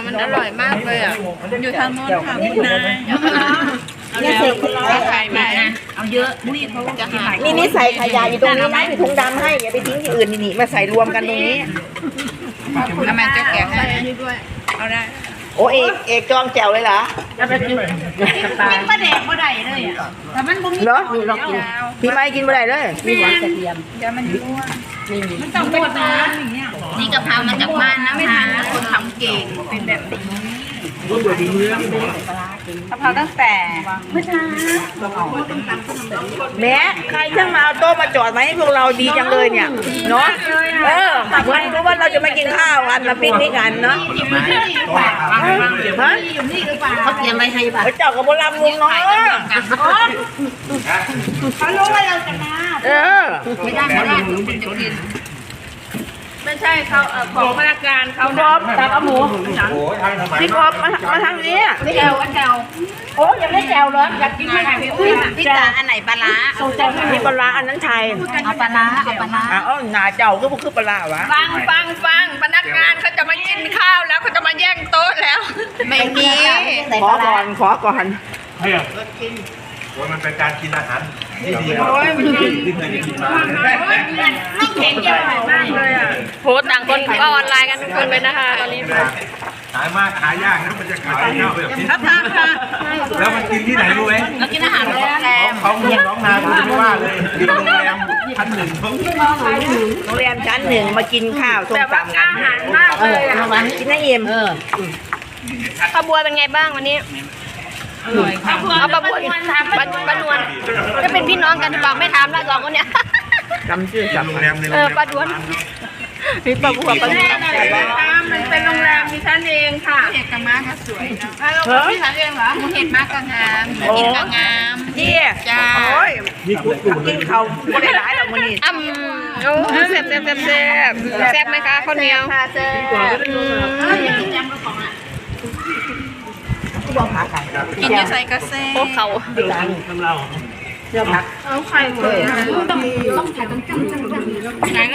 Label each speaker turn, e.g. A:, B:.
A: มันอร่อยมากเลยอ่ะอยู่ทางโน้นค่ะคุณนาย
B: นี่เสร็จ
A: ขายไหมเอาเยอะนี่เขาจะหา
B: นี่ใส่ขยะอยู่ตรงนี้นะมีถุงดำให้อย่าไปทิ้งที่อื่นนี่มาใส่รวมกันตรงนี้
A: ทำไมจะแกะให้ด้วยเอาได้
B: โอ้เอกจองแจ่วเลยเหรอ
A: กินปลาแดกบ่ได้เลยอ่ะแต่มันบ่มี
B: เหรอพี่ไม่กินบ่ได้เลยมีหวานกระเทียม
A: เดี๋ยวมันรั่วมันต้องเป็นปลานี่กะเพรามาจากบ้านนะคะคนทำเก่งเป็นแบบนี้กะเพราตั้งแต่เมื่อเช้า
B: แม่ใครช่างมาเอาโต๊ะมาจอดมาให้พวกเราดีจังเลยเนี่ยเนาะเหมือนรู้ว่าเราจะมากินข้าวกันมาปิ้งนี่กันเนาะ
A: เขาเตรียมไว้ให้ป่ะ
B: เจ้ากับโบราณลุงเนาะ
A: เขารู้ว่าเราจะมาไม่ได้คุณจะกินไม่ใช่เขาของพนักงานเขา
B: พร้อมตักเอาหมูพี่กบมาทางนี้
A: แจวแจว
B: โอ้ยังไม่แจวเลยอยากกินไม่ได้
A: พี่จ๋าอันไหนปลาร้า
B: มีปลาอันนั้นไทย
A: เอาปลาร้า
B: หนาเจ้าก็คือปลาวะ
A: ฟังพนักงานเขาจะมากินข้าวแล้วเขาจะมาแย่งโต๊ะแล้วไม่มี
B: ขอก่อน
C: ว่ามันเป็นการกินอาหารที่ดีครั
A: บไม่เก่งเยอะมากเลยอ่ะโพสต่างคนก็ออนไลน์กันทุกคนเลยนะคะตอนนี้
C: ขายยากนะมันจะขายข้าวแบบนี้แล้วมันกินที่ไหนรู้ไหม
A: เรากินอาหารโรงแรม
C: เขาเงินน้องนาไม่ว่าเลยกินโรงแรมชั้นหนึ่ง
B: โรงแรมชั้นหนึ่งมากินข้าวส้มตำ
A: อาหารมากเลยอ่ะ
B: กินให้เย็น
A: ข้าวบัวเป็นไงบ้างวันนี้เอาปลาบวนปลานวลจะเป็นพี่น้องกันหรือเปล่าไม่ถามแล้วสองคนเนี้ย
B: จำชื่อจำ
A: ปลาดวนมีปลาบัวปลาดวนมันเป็นโรงแรมมีชั้นเองค่ะเห็ดกระม้าก็สวยนะแล้วมีชั้นเองเหรอเห็ดมากก็งามกินก็งาม
B: จ้าโอ้ยกินเขาไม่ได้ร้ายหรอกมันนี่
A: โอ้แซ่บแซ่บไหมคะข้าวเหนียวแซ่บกินจะใส่กระเซ่พวกเขา
B: ทำเราเชื่อพัก
A: เอาไข่หมดเลยต้องถ่ายต้องจัง